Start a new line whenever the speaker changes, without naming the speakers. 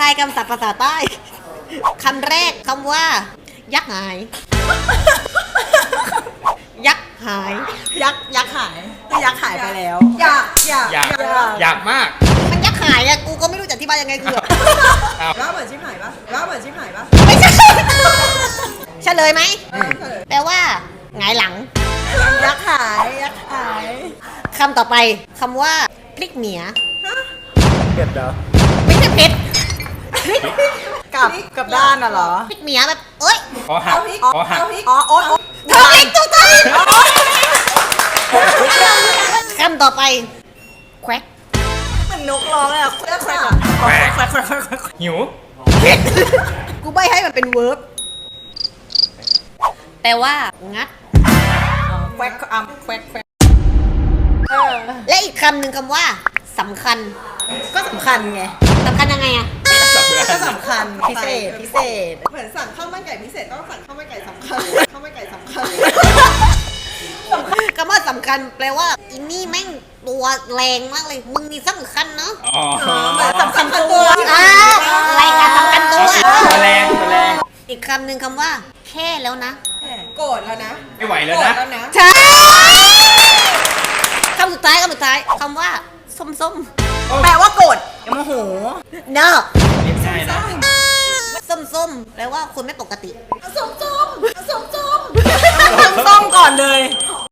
ายคำศัพท์ภาษาใต้คำแรกคำว่า ยักษ์หาย ยักษ์หาย
ยักษ์หายยักษ์หายไปแล้ว
อยากมาก
มันยักษ์หายอะกูก็ไม่รู้จะอธิบายยังไงคือแบบ
อ้าว
ว่าเหมือนชิบหายปะว่าเหมือนชิบหายปะ
ไม่ใช่เฉลยไหมแปลว่าหงายหลัง
ยักษ์หาย
คำต่อไปคำว่าพริกเหนีย
เผ็ดเหรอ
ไม่ใช่เผ็ดพริก
กับด้านน่ะเหรอ
พริกเหนียแบบเอ้ย
ขอหักขอหัก
อ๋อโอ๊ต
ถูกอีกถูกต้องคำต่อไปแควก
เหมือนนกร้องเลยอ่ะแควก
แหวก
แควก
หิว
กูใบให้มันเป็นเวิร์บแปลว่างัด
แควกแควก
และอีกคำหนึ่งคำว่าสำคัญ
ก็สำคัญไง
สำคัญยังไงอะ
ก็สำคัญพิเศษ
เหมือนสั่งข้าวมันไก่พิเศษต้องสั่งข้าวมันไก่สำคัญข้าวมันไก่สำคัญ
คำว่าสำคัญแปลว่าอินนี่แม่งตัวแรงมากเลยมึงนี่สำคัญเนาะ
อ๋อ
เหมือนสำคัญตัว
รายการสำคัญตัว
ตัวแรงตัวแรง
อีกคำหนึ่งคำว่า แค่แล้วนะ
โกรธแล้วนะ
ไม่ไหวแล้ว
โกรธ
นะ
แล้วนะ
ใช่คำสุดท้ายคำว่าส้ม
แปลว่าโกรธโมโห
ๆเนอะ
เรียกง่ายนะ
ส้มๆแปลว่าคนไม่ปกติ
ส้มส้มส้มส้ม
ส้มก่อนเลย
ห